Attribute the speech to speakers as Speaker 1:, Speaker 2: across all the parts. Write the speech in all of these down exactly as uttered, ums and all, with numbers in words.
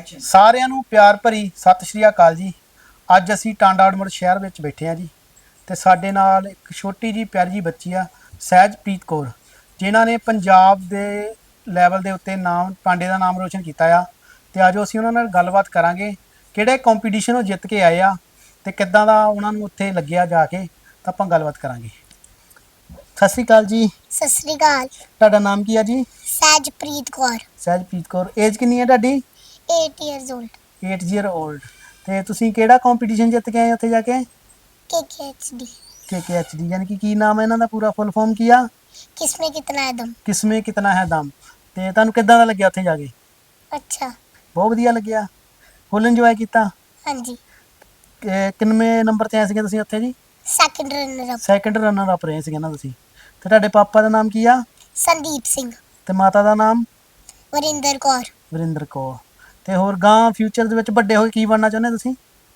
Speaker 1: ਸਾਰਿਆਂ ਨੂੰ ਪਿਆਰ ਭਰੀ ਸਤਿ ਸ਼੍ਰੀ ਅਕਾਲ ਜੀ। ਅੱਜ ਅਸੀਂ ਟਾਂਡਾ ਅਡਮੜ ਸ਼ਹਿਰ ਵਿੱਚ ਬੈਠੇ ਹਾਂ ਜੀ, ਤੇ ਸਾਡੇ ਨਾਲ ਇੱਕ ਛੋਟੀ ਜੀ ਪਿਆਰੀ ਜੀ ਬੱਚੀ ਆ ਸਹਿਜਪ੍ਰੀਤ ਕੌਰ, ਜਿਨ੍ਹਾਂ ਨੇ ਪੰਜਾਬ ਦੇ ਲੈਵਲ ਦੇ ਉੱਤੇ ਨਾਮ ਟਾਂਡੇ ਦਾ ਨਾਮ ਰੋਸ਼ਨ ਕੀਤਾ ਆ। ਤੇ ਅੱਜ ਅਸੀਂ ਉਹਨਾਂ ਨਾਲ ਗੱਲਬਾਤ ਕਰਾਂਗੇ, ਕਿਹੜੇ ਕੰਪੀਟੀਸ਼ਨ ਉਹ ਜਿੱਤ ਕੇ ਆਏ ਆ ਤੇ ਕਿੱਦਾਂ ਦਾ ਉਹਨਾਂ ਨੂੰ ਉੱਥੇ ਲੱਗਿਆ ਜਾ ਕੇ, ਤਾਂ ਆਪਾਂ ਗੱਲਬਾਤ ਕਰਾਂਗੇ। ਸਤਿ ਸ਼੍ਰੀ ਅਕਾਲ ਜੀ।
Speaker 2: ਸਤਿ ਸ੍ਰੀ ਅਕਾਲ।
Speaker 1: ਤੁਹਾਡਾ ਨਾਮ ਕੀ ਆ ਜੀ?
Speaker 2: ਸਹਿਜਪ੍ਰੀਤ ਕੌਰ।
Speaker 1: ਸਹਿਜਪ੍ਰੀਤ ਕੌਰ। ਏਜ ਕਿੰਨੀ ਹੈ ਤੁਹਾਡੀ?
Speaker 2: eight years old।
Speaker 1: eight year old। ਤੇ ਤੁਸੀਂ ਕਿਹੜਾ ਕੰਪੀਟੀਸ਼ਨ ਜਿੱਤ ਕੇ ਆਏ ਉੱਥੇ ਜਾ ਕੇ?
Speaker 2: K K H D।
Speaker 1: K K H D ਯਾਨੀ ਕਿ ਕੀ ਨਾਮ ਹੈ ਇਹਨਾਂ ਦਾ ਪੂਰਾ ਫੁੱਲ ਫਾਰਮ ਕੀ ਆ?
Speaker 2: ਕਿਸਮੇ ਕਿਤਨਾ ਹੈ ਦਮ।
Speaker 1: ਕਿਸਮੇ ਕਿਤਨਾ ਹੈ ਦਮ। ਤੇ ਤੁਹਾਨੂੰ ਕਿੱਦਾਂ ਦਾ ਲੱਗਿਆ ਉੱਥੇ ਜਾ ਕੇ?
Speaker 2: ਅੱਛਾ।
Speaker 1: ਬਹੁਤ ਵਧੀਆ ਲੱਗਿਆ। ਫੁੱਲ ਇੰਜੋਏ ਕੀਤਾ?
Speaker 2: ਹਾਂਜੀ।
Speaker 1: ਕਿ- ਕਿੰਨਵੇਂ ਨੰਬਰ ਤੇ ਆਏ ਸੀਗੇ ਤੁਸੀਂ ਉੱਥੇ ਜੀ?
Speaker 2: Second runner up.
Speaker 1: Second runner up ਰਹੇ ਸੀਗੇ ਨਾ ਤੁਸੀਂ। ਤੇ ਤੁਹਾਡੇ ਪਾਪਾ ਦਾ ਨਾਮ ਕੀ ਆ?
Speaker 2: ਸੰਦੀਪ ਸਿੰਘ।
Speaker 1: ਤੇ ਮਾਤਾ ਦਾ ਨਾਮ?
Speaker 2: ਵਰਿੰਦਰ ਕੌਰ।
Speaker 1: ਵਰਿੰਦਰ ਕੌਰ। ਤੇ ਹੋਰ ਗਾਂ ਫਿਊਚਰ ਦੇ ਵਿੱਚ ਵੱਡੇ ਹੋ ਕੇ ਕੀ ਬਣਨਾ ਚਾਹੁੰਦੇ ਤੁਸੀਂ?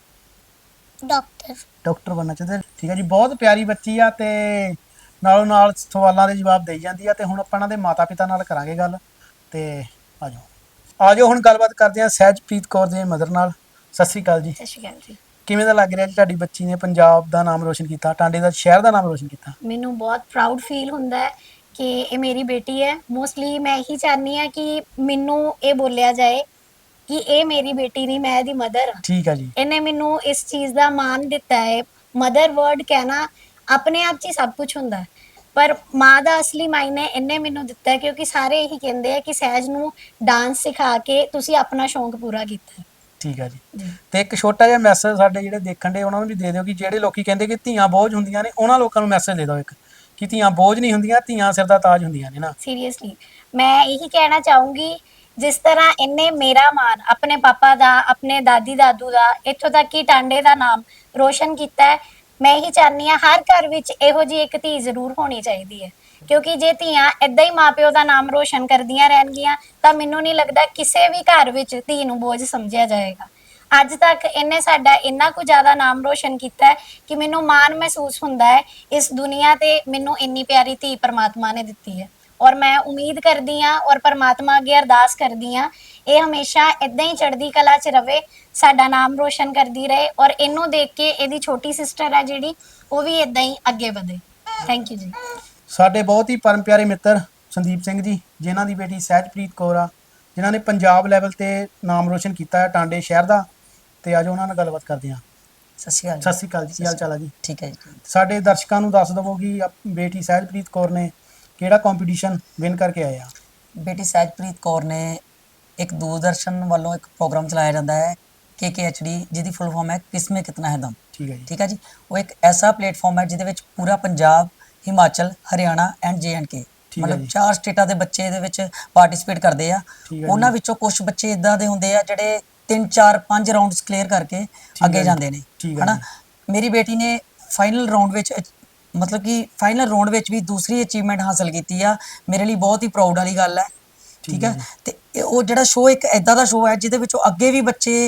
Speaker 2: ਡਾਕਟਰ।
Speaker 1: ਡਾਕਟਰ ਬਣਨਾ ਚਾਹੁੰਦੇ। ਠੀਕ ਹੈ ਜੀ, ਬਹੁਤ ਪਿਆਰੀ ਬੱਚੀ ਆ ਤੇ ਨਾਲੋਂ ਨਾਲ ਸਵਾਲਾਂ ਦੇ ਜਵਾਬ ਦੇਈ ਜਾਂਦੀ ਆ। ਤੇ ਹੁਣ ਆਪਾਂ ਇਹਨਾਂ ਦੇ ਮਾਤਾ ਪਿਤਾ ਨਾਲ ਕਰਾਂਗੇ ਗੱਲ। ਤੇ ਆ ਜਾਓ ਆ ਜਾਓ ਹੁਣ ਗੱਲਬਾਤ ਕਰਦੇ ਹਾਂ ਸਹਿਜਪ੍ਰੀਤ ਕੌਰ ਦੇ ਮਦਰ ਨਾਲ। ਸਤਿ ਸ਼੍ਰੀ ਅਕਾਲ ਜੀ।
Speaker 2: ਸਤਿ ਸ਼੍ਰੀ ਅਕਾਲ ਜੀ।
Speaker 1: ਕਿਵੇਂ ਦਾ ਲੱਗ ਰਿਹਾ ਜੀ ਤੁਹਾਡੀ ਬੱਚੀ ਨੇ ਪੰਜਾਬ ਦਾ ਨਾਮ ਰੋਸ਼ਨ ਕੀਤਾ, ਟਾਂਡੇ ਦਾ ਸ਼ਹਿਰ ਦਾ ਨਾਮ ਰੋਸ਼ਨ ਕੀਤਾ?
Speaker 3: ਮੈਨੂੰ ਬਹੁਤ ਪ੍ਰਾਊਡ ਫੀਲ ਹੁੰਦਾ ਹੈ ਕਿ ਇਹ ਮੇਰੀ ਬੇਟੀ ਹੈ। ਮੋਸਟਲੀ ਮੈਂ ਇਹੀ ਚਾਹਨੀ ਆ ਕਿ ਮੈਨੂੰ ਇਹ ਬੋਲਿਆ ਜਾਏ ਕਿ ਇਹ ਮੇਰੀ ਬੇਟੀ ਨਹੀਂ, ਮੈਂ ਇਹਦੀ ਮਦਰ ਹਾਂ।
Speaker 1: ਠੀਕ ਹੈ ਜੀ।
Speaker 3: ਇਹਨੇ ਮੈਨੂੰ ਇਸ ਚੀਜ਼ ਦਾ ਮਾਣ ਦਿੱਤਾ ਹੈ। ਮਦਰ ਵਰਡ ਕਹਿਣਾ ਆਪਣੇ ਆਪ 'ਚ ਹੀ ਸਭ ਕੁਝ ਹੁੰਦਾ ਹੈ, ਪਰ ਮਾਂ ਦਾ ਅਸਲੀ ਮਾਇਨੇ ਇਹਨੇ ਮੈਨੂੰ ਦਿੱਤਾ ਹੈ, ਕਿਉਂਕਿ ਸਾਰੇ ਇਹੀ ਕਹਿੰਦੇ ਆ ਕਿ ਸਹਿਜ ਨੂੰ ਡਾਂਸ ਸਿਖਾ ਕੇ ਤੁਸੀਂ ਆਪਣਾ ਸ਼ੌਂਕ ਪੂਰਾ ਕੀਤਾ ਹੈ।
Speaker 1: ਠੀਕ ਹੈ ਜੀ। ਤੇ ਇੱਕ ਛੋਟਾ ਜਿਹਾ ਮੈਸੇਜ ਸਾਡੇ ਜਿਹੜੇ ਦੇਖਣ ਦੇ ਉਹਨਾਂ ਨੂੰ ਵੀ ਦੇ ਦਿਓ, ਕਿ ਜਿਹੜੇ ਲੋਕੀ ਕਹਿੰਦੇ ਕਿ ਧੀਆਂ ਬੋਝ ਹੁੰਦੀਆਂ ਨੇ, ਉਹਨਾਂ ਲੋਕਾਂ ਨੂੰ ਮੈਸੇਜ ਦੇ ਦਿਓ ਇੱਕ, ਕਿ ਧੀਆਂ ਬੋਝ ਨਹੀਂ ਹੁੰਦੀਆਂ, ਧੀਆਂ ਸਿਰ ਦਾ ਤਾਜ ਹੁੰਦੀਆਂ ਨੇ ਨਾ।
Speaker 3: ਸੀਰੀਅਸਲੀ ਮੈਂ ਇਹੀ ਕਹਿਣਾ ਚਾਹੂੰਗੀ, ਜਿਸ ਤਰ੍ਹਾਂ ਇਹਨੇ ਮੇਰਾ ਮਾਣ ਆਪਣੇ ਪਾਪਾ ਦਾ, ਆਪਣੇ ਦਾਦੀ ਦਾਦੂ ਦਾ, ਇੱਥੋਂ ਤੱਕ ਕਿ ਟਾਂਡੇ ਦਾ ਨਾਮ ਰੋਸ਼ਨ ਕੀਤਾ ਹੈ, ਮੈਂ ਇਹੀ ਚਾਹਨੀ ਆ ਹਰ ਘਰ ਵਿੱਚ ਇਹੋ ਜਿਹੀ ਇੱਕ ਧੀ ਜ਼ਰੂਰ ਹੋਣੀ ਚਾਹੀਦੀ ਹੈ। ਕਿਉਂਕਿ ਜੇ ਧੀਆਂ ਏਦਾਂ ਹੀ ਮਾਪਿਓ ਦਾ ਨਾਮ ਰੋਸ਼ਨ ਕਰਦੀਆਂ ਰਹਿਣਗੀਆਂ ਤਾਂ ਮੈਨੂੰ ਨਹੀਂ ਲੱਗਦਾ ਕਿਸੇ ਵੀ ਘਰ ਵਿੱਚ ਧੀ ਨੂੰ ਬੋਝ ਸਮਝਿਆ ਜਾਏਗਾ। ਅੱਜ ਤੱਕ ਇਹਨੇ ਸਾਡਾ ਇੰਨਾ ਕੁ ਜ਼ਿਆਦਾ ਨਾਮ ਰੋਸ਼ਨ ਕੀਤਾ ਹੈ ਕਿ ਮੈਨੂੰ ਮਾਣ ਮਹਿਸੂਸ ਹੁੰਦਾ ਹੈ ਇਸ ਦੁਨੀਆ ਤੇ ਮੈਨੂੰ ਇੰਨੀ ਪਿਆਰੀ ਧੀ ਪਰਮਾਤਮਾ ਨੇ ਦਿੱਤੀ ਹੈ। ਔਰ ਮੈਂ ਉਮੀਦ ਕਰਦੀ ਹਾਂ ਔਰ ਪਰਮਾਤਮਾ ਅੱਗੇ ਅਰਦਾਸ ਕਰਦੀ ਹਾਂ ਇਹ ਹਮੇਸ਼ਾ ਇਦਾਂ ਹੀ ਚੜ੍ਹਦੀ ਕਲਾ 'ਚ ਰਵੇ, ਸਾਡਾ ਨਾਮ ਰੋਸ਼ਨ ਕਰਦੀ ਰਹੇ, ਔਰ ਇਹਨੂੰ ਦੇਖ ਕੇ ਇਹਦੀ ਛੋਟੀ ਸਿਸਟਰ ਹੈ ਜਿਹੜੀ ਉਹ ਵੀ ਇਦਾਂ ਹੀ ਅੱਗੇ ਵਧੇ। ਥੈਂਕ ਯੂ ਜੀ।
Speaker 1: ਸਾਡੇ ਬਹੁਤ ਹੀ ਪਰਮ ਪਿਆਰੇ ਮਿੱਤਰ ਸੰਦੀਪ ਸਿੰਘ ਜੀ, ਜਿਨ੍ਹਾਂ ਦੀ ਬੇਟੀ ਸਹਿਜਪ੍ਰੀਤ ਕੌਰ ਆ, ਜਿਨ੍ਹਾਂ ਨੇ ਪੰਜਾਬ ਲੈਵਲ ਤੇ ਨਾਮ ਰੋਸ਼ਨ ਕੀਤਾ ਹੈ ਟਾਂਡੇ ਸ਼ਹਿਰ ਦਾ। ਤੇ ਅੱਜ ਉਹਨਾਂ ਨਾਲ ਗੱਲਬਾਤ ਕਰਦੇ ਹਾਂ।
Speaker 4: ਸਤਿ ਸ਼੍ਰੀ ਅਕਾਲ।
Speaker 1: ਸਤਿ ਸ਼੍ਰੀ ਅਕਾਲ ਜੀ, ਕੀ ਹਾਲ ਚਾਲ ਆ ਜੀ?
Speaker 4: ਠੀਕ ਹੈ ਜੀ।
Speaker 1: ਸਾਡੇ ਦਰਸ਼ਕਾਂ ਨੂੰ ਦੱਸ ਦਵੋ ਕਿ ਆਪ- ਬੇਟੀ ਸਹਿਜਪ੍ਰੀਤ ਕੌਰ ਨੇ ਕਿਹੜਾ ਕੰਪੀਟੀਸ਼ਨ ਵਿਨ ਕਰਕੇ ਆਏ ਆ?
Speaker 4: ਬੇਟੀ ਸਹਿਜਪ੍ਰੀਤ ਕੌਰ ਨੇ ਇੱਕ ਦੂਰਦਰਸ਼ਨ ਵੱਲੋਂ ਇੱਕ ਪ੍ਰੋਗਰਾਮ ਚਲਾਇਆ ਜਾਂਦਾ ਹੈ ਕੇ ਕੇ ਐਚ ਡੀ, ਜਿਹਦੀ ਫੁੱਲ ਫਾਰਮ ਹੈ ਕਿਸਮੇ ਕਿਤਨਾ ਹੈ ਦਮ।
Speaker 1: ਠੀਕ ਹੈ ਜੀ।
Speaker 4: ਠੀਕ ਹੈ ਜੀ। ਉਹ ਇੱਕ ਐਸਾ ਪਲੇਟਫਾਰਮ ਹੈ ਜਿਹਦੇ ਵਿੱਚ ਪੂਰਾ Punjab, Himachal, Haryana and J and K,
Speaker 1: ਠੀਕ ਹੈ
Speaker 4: ਮਤਲਬ
Speaker 1: ਜੀ।
Speaker 4: ਚਾਰ ਸਟੇਟਾਂ ਦੇ ਬੱਚੇ ਇਹਦੇ ਵਿੱਚ ਪਾਰਟਿਸਿਪੇਟ ਕਰਦੇ ਆ।
Speaker 1: ਠੀਕ ਹੈ
Speaker 4: ਉਹਨਾਂ
Speaker 1: ਜੀ।
Speaker 4: ਵਿੱਚੋਂ ਕੁਝ ਬੱਚੇ ਇਦਾਂ ਦੇ ਹੁੰਦੇ ਆ ਜਿਹੜੇ ਤਿੰਨ ਚਾਰ ਪੰਜ ਰਾਊਂਡਸ ਕਲੀਅਰ ਕਰਕੇ
Speaker 1: ਹੈ
Speaker 4: ਅੱਗੇ
Speaker 1: ਜੀ।
Speaker 4: ਜਾਂਦੇ ਨੇ,
Speaker 1: ਠੀਕ ਹੈ
Speaker 4: ਹਨਾ।
Speaker 1: ਜੀ।
Speaker 4: ਮੇਰੀ ਬੇਟੀ ਨੇ ਫਾਈਨਲ ਰਾਊਂਡ ਵਿੱਚ ਅਚ- ਮਤਲਬ ਕਿ ਫਾਈਨਲ ਰਾਊਂਡ ਵਿੱਚ ਵੀ ਦੂਸਰੀ ਅਚੀਵਮੈਂਟ ਹਾਸਲ ਕੀਤੀ ਆ। ਮੇਰੇ ਲਈ ਬਹੁਤ ਹੀ ਪ੍ਰਾਊਡ ਵਾਲੀ ਗੱਲ ਹੈ। ਠੀਕ ਹੈ। ਤੇ ਇਹ ਉਹ ਜਿਹੜਾ ਸ਼ੋਅ ਇੱਕ ਐਦਾਂ ਦਾ ਸ਼ੋਅ ਹੈ ਜਿਹਦੇ ਵਿੱਚੋਂ ਅੱਗੇ ਵੀ ਬੱਚੇ,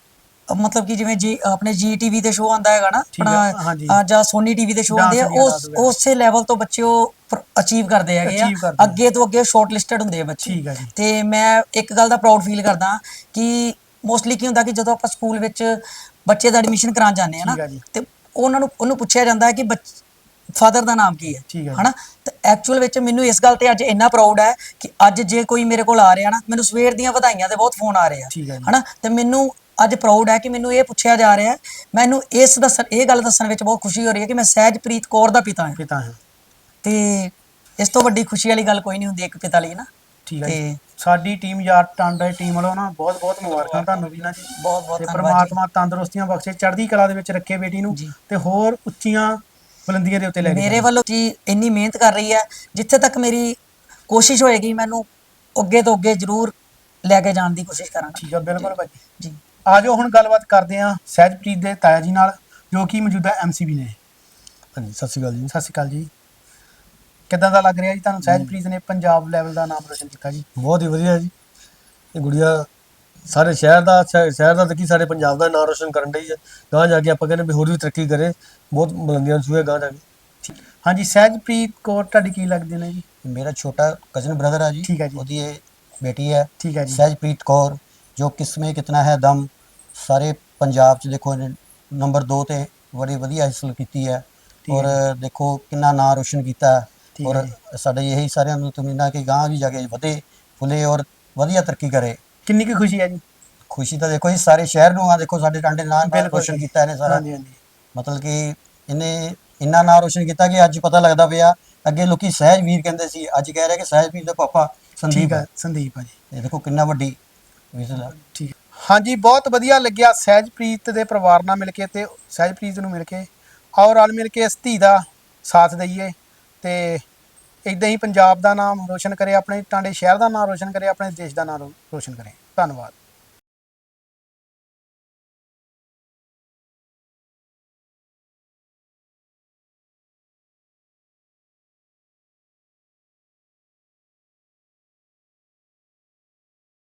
Speaker 4: ਮਤਲਬ ਕਿ ਜਿਵੇਂ ਜੀ ਆਪਣੇ ਜੀ ਟੀਵੀ ਤੇ ਸ਼ੋਅ ਆਉਂਦਾ ਹੈਗਾ ਨਾ
Speaker 1: ਠੀਕ ਹੈ, ਹਾਂਜੀ।
Speaker 4: ਆਪਣਾ, ਜਾਂ ਸੋਨੀ ਟੀਵੀ ਤੇ ਸ਼ੋਅ
Speaker 1: Dance
Speaker 4: ਆਉਂਦੇ ਆ,
Speaker 1: India,
Speaker 4: ਉਸ
Speaker 1: Dance ਵਗੈਰਾ।
Speaker 4: ਉਸੇ ਲੈਵਲ ਤੋਂ ਬੱਚੇ ਉਹ ਅਚੀਵ ਕਰਦੇ ਹੈਗੇ ਆ,
Speaker 1: Achieve ਕਰਦੇ ਆ।
Speaker 4: ਅੱਗੇ ਤੋਂ ਅੱਗੇ ਸ਼ਾਰਟ ਲਿਸਟਡ ਹੁੰਦੇ ਆ ਬੱਚੇ।
Speaker 1: ਠੀਕ ਹੈ ਜੀ।
Speaker 4: ਤੇ ਮੈਂ ਇੱਕ ਗੱਲ ਦਾ ਪ੍ਰਾਊਡ ਫੀਲ ਕਰਦਾ ਕਿ ਮੋਸਟਲੀ ਕੀ ਹੁੰਦਾ ਕਿ ਜਦੋਂ ਆਪਾਂ ਸਕੂਲ ਵਿੱਚ ਬੱਚੇ ਦਾ ਐਡਮਿਸ਼ਨ ਕਰਾਉਣ ਜਾਂਦੇ ਆ ਨਾ,
Speaker 1: ਠੀਕ ਹੈ ਜੀ।
Speaker 4: ਤੇ ਉਹਨਾਂ ਨੂੰ ਉਹਨੂੰ ਪੁੱਛਿਆ ਜਾਂਦਾ ਹੈ ਕਿ ਫਾਦਰ ਦਾ ਨਾਮ ਕੀ ਹੈ,
Speaker 1: ਠੀਕ ਹੈ ਜੀ।
Speaker 4: ਹਨਾ। ਤੇ ਐਕਚੁਅਲ ਵਿੱਚ ਮੈਨੂੰ ਇਸ ਗੱਲ ਤੇ ਅੱਜ ਇੰਨਾ ਪ੍ਰਾਊਡ ਹੈ ਕਿ ਅੱਜ ਜੇ ਕੋਈ ਮੇਰੇ ਕੋਲ ਆ ਰਿਹਾ ਨਾ, ਮੈਨੂੰ ਸਵੇਰ ਦੀਆਂ ਵਧਾਈਆਂ ਦੇ ਬਹੁਤ ਫੋਨ ਆ ਰਹੇ ਆ,
Speaker 1: ਠੀਕ ਹੈ ਜੀ।
Speaker 4: ਹਨਾ। ਤੇ ਮੈਨੂੰ ਅੱਜ ਪ੍ਰਾਊਡ ਹੈ ਕਿ ਮੈਨੂੰ ਇਹ ਪੁੱਛਿਆ ਜਾ ਰਿਹਾ ਹੈ, ਮੈਨੂੰ ਇਸ ਦੱਸਣ ਇਹ ਗੱਲ ਦੱਸਣ ਵਿੱਚ ਬਹੁਤ ਖੁਸ਼ੀ ਹੋ ਰਹੀ ਹੈ ਕਿ ਮੈਂ ਸਹਿਜਪ੍ਰੀਤ ਕੌਰ ਦਾ ਪਿਤਾ ਹਾਂ।
Speaker 1: ਪਿਤਾ ਹੈ।
Speaker 4: ਤੇ ਇਸ ਤੋਂ ਵੱਡੀ ਖੁਸ਼ੀ ਵਾਲੀ ਗੱਲ ਕੋਈ ਨਹੀਂ ਹੁੰਦੀ ਇੱਕ ਪਿਤਾ ਲਈ ਨਾ।
Speaker 1: ਠੀਕ ਹੈ
Speaker 4: ਤੇ
Speaker 1: ਜੀ। ਸਾਡੀ ਟੀਮ ਯਾਰ ਟਾਂਡਾ ਦੀ ਟੀਮ ਵੱਲੋਂ ਨਾ ਬਹੁਤ ਬਹੁਤ ਮੁਬਾਰਕਾਂ ਤੁਹਾਨੂੰ ਵੀ ਨਾ ਜੀ।
Speaker 4: ਬਹੁਤ ਬਹੁਤ
Speaker 1: ਤੇ
Speaker 4: ਧੰਨਵਾਦ ਜੀ।
Speaker 1: ਪ੍ਰਮਾਤਮਾ ਤੰਦਰੁਸਤੀਆਂ ਬਖਸ਼ੇ, ਚੜ੍ਹਦੀ ਕਲਾ ਦੇ ਵਿੱਚ ਰੱਖੇ ਬੇਟੀ ਨੂੰ,
Speaker 4: ਜੀ।
Speaker 1: ਤੇ ਹੋਰ ਉੱਚੀਆਂ ਬੁਲੰਦੀਆਂ ਦੇ ਉੱਤੇ ਲੈ ਕੇ
Speaker 4: ਮੇਰੇ
Speaker 1: ਜਾਵੇ।
Speaker 4: ਵੱਲੋਂ ਜੀ ਇੰਨੀ ਮਿਹਨਤ ਕਰ ਰਹੀ ਹੈ, ਜਿੱਥੇ ਤੱਕ ਮੇਰੀ ਕੋਸ਼ਿਸ਼ ਹੋਏਗੀ ਮੈਨੂੰ ਅੱਗੇ ਤੋਂ ਅੱਗੇ ਜ਼ਰੂਰ ਲੈ ਕੇ ਜਾਣ ਦੀ ਕੋਸ਼ਿਸ਼ ਕਰਾਂਗਾ।
Speaker 1: ਠੀਕ ਹੈ, ਬਿਲਕੁਲ ਭਾਜੀ।
Speaker 4: ਜੀ।
Speaker 1: ਆ ਜਾਓ ਹੁਣ ਗੱਲਬਾਤ ਕਰਦੇ ਹਾਂ ਸਹਿਜਪ੍ਰੀਤ ਦੇ ਤਾਇਆ ਜੀ ਨਾਲ, ਜੋ ਕਿ ਮੌਜੂਦਾ ਐਮ ਸੀ ਵੀ ਨੇ।
Speaker 5: ਹਾਂਜੀ, ਸਤਿ ਸ਼੍ਰੀ ਅਕਾਲ ਜੀ।
Speaker 1: ਸਤਿ ਸ਼੍ਰੀ ਅਕਾਲ ਜੀ। ਕਿੱਦਾਂ ਦਾ ਲੱਗ ਰਿਹਾ ਜੀ ਤੁਹਾਨੂੰ ਸਹਿਜਪ੍ਰੀਤ ਨੇ ਪੰਜਾਬ ਲੈਵਲ ਦਾ ਨਾਮ ਰੋਸ਼ਨ ਕੀਤਾ ਜੀ?
Speaker 5: ਬਹੁਤ ਹੀ ਵਧੀਆ ਜੀ। ਇਹ ਗੁੜੀਆ ਸਾਰੇ ਸ਼ਹਿਰ ਦਾ ਸ਼ਹਿ- ਸ਼ਹਿਰ ਦਾ ਤੇ ਕੀ ਸਾਡੇ ਪੰਜਾਬ ਦਾ ਨਾਮ ਰੋਸ਼ਨ ਕਰਨ ਡਈ ਹੈ। ਗਾਂਹ ਜਾ ਕੇ ਆਪਾਂ ਕਹਿੰਦੇ ਵੀ ਹੋਰ ਵੀ ਤਰੱਕੀ ਕਰੇ, ਬਹੁਤ ਬੁਲੰਦੀਆਂ ਨੂੰ ਛੂਹੇ ਗਾਂਹ ਜਾ ਕੇ।
Speaker 1: ਹਾਂਜੀ, ਸਹਿਜਪ੍ਰੀਤ ਕੌਰ ਤੁਹਾਡੀ ਕੀ ਲੱਗਦੇ ਨੇ ਜੀ?
Speaker 6: मेरा छोटा कज़न ब्रदर है जी।
Speaker 1: ठीक है जी।
Speaker 6: ਉਹਦੀ ਇਹ ਬੇਟੀ ਹੈ
Speaker 1: ਠੀਕ ਹੈ ਜੀ।
Speaker 6: ਸਹਿਜਪ੍ਰੀਤ ਕੌਰ। ਜੋ ਕਿਸਮੇ ਕਿਤਨਾ ਹੈ ਦਮ ਸਾਰੇ ਪੰਜਾਬ 'ਚ ਦੇਖੋ ਇਹਨੇ ਨੰਬਰ ਦੋ ਤੇ ਬੜੀ ਵਧੀਆ ਹਾਸਲ ਕੀਤੀ ਹੈ
Speaker 1: ਠੀਕ
Speaker 6: ਔਰ
Speaker 1: ਹੈ
Speaker 6: ਦੇਖੋ ਕਿੰਨਾ ਨਾਂ ਰੋਸ਼ਨ ਕੀਤਾ ਹੈ।
Speaker 1: ਠੀਕ
Speaker 6: ਔਰ
Speaker 1: ਹੈ
Speaker 6: ਸਾਡੇ ਇਹੀ ਸਾਰਿਆਂ ਨੂੰ ਤਮੰਨਾ ਕਿ ਗਾਂ ਵੀ ਜਾ ਕੇ ਵਧੇ ਫੁੱਲੇ ਔਰ ਵਧੀਆ ਤਰੱਕੀ ਕਰੇ।
Speaker 1: ਕਿੰਨੀ ਕੁ ਖੁਸ਼ੀ ਹੈ ਜੀ?
Speaker 6: ਖੁਸ਼ੀ ਤਾਂ ਦੇਖੋ ਜੀ ਸਾਰੇ ਸ਼ਹਿਰ ਨੂੰ ਆ, ਦੇਖੋ ਸਾਡੇ ਟਾਂਡੇ ਨਾਂ
Speaker 1: ਬਿਲਕੁਲ
Speaker 6: ਰੋਸ਼ਨ
Speaker 1: ਜੀ।
Speaker 6: ਕੀਤਾ ਇਹਨੇ ਸਾਰਾ,
Speaker 1: ਹਾਂਜੀ ਹਾਂਜੀ
Speaker 6: ਮਤਲਬ ਕਿ ਇਹਨੇ ਇੰਨਾ ਨਾਂ ਰੋਸ਼ਨ ਕੀਤਾ ਕਿ ਅੱਜ ਪਤਾ ਲੱਗਦਾ ਪਿਆ, ਅੱਗੇ ਲੋਕੀ ਸਹਿਜ ਵੀਰ ਕਹਿੰਦੇ ਸੀ, ਅੱਜ ਕਹਿ ਰਹੇ ਕਿ ਸਹਿਜ ਵੀਰ ਦਾ ਪਾਪਾ ਸੰਦੀਪ
Speaker 1: ਠੀਕ
Speaker 6: ਹੈ।
Speaker 1: ਹੈ ਸੰਦੀਪ ਆ ਜੀ।
Speaker 6: ਇਹ ਦੇਖੋ ਕਿੰਨਾ ਵੱਡੀ ਵਿਜ਼ਲ ਹੈ।
Speaker 1: ਠੀਕ ਹੈ। ਹਾਂਜੀ ਬਹੁਤ ਵਧੀਆ ਲੱਗਿਆ ਸਹਿਜਪ੍ਰੀਤ ਦੇ ਪਰਿਵਾਰ ਨਾਲ ਮਿਲ ਕੇ ਤੇ ਸਹਿਜਪ੍ਰੀਤ ਨੂੰ ਮਿਲ ਕੇ, ਔਰ ਰਲ ਮਿਲ ਕੇ ਇਸ ਧੀ ਦਾ ਸਾਥ ਦਈਏ ਤੇ ਇਦਾਂ ਹੀ ਪੰਜਾਬ ਦਾ ਨਾਮ ਰੋਸ਼ਨ ਕਰੇ, ਆਪਣੇ ਟਾਂਡੇ ਸ਼ਹਿਰ ਦਾ ਨਾਮ ਰੋਸ਼ਨ ਕਰੇ, ਆਪਣੇ ਦੇਸ਼ ਦਾ ਨਾਮ ਰੋ- ਰੋਸ਼ਨ ਕਰੇ। ਧੰਨਵਾਦ।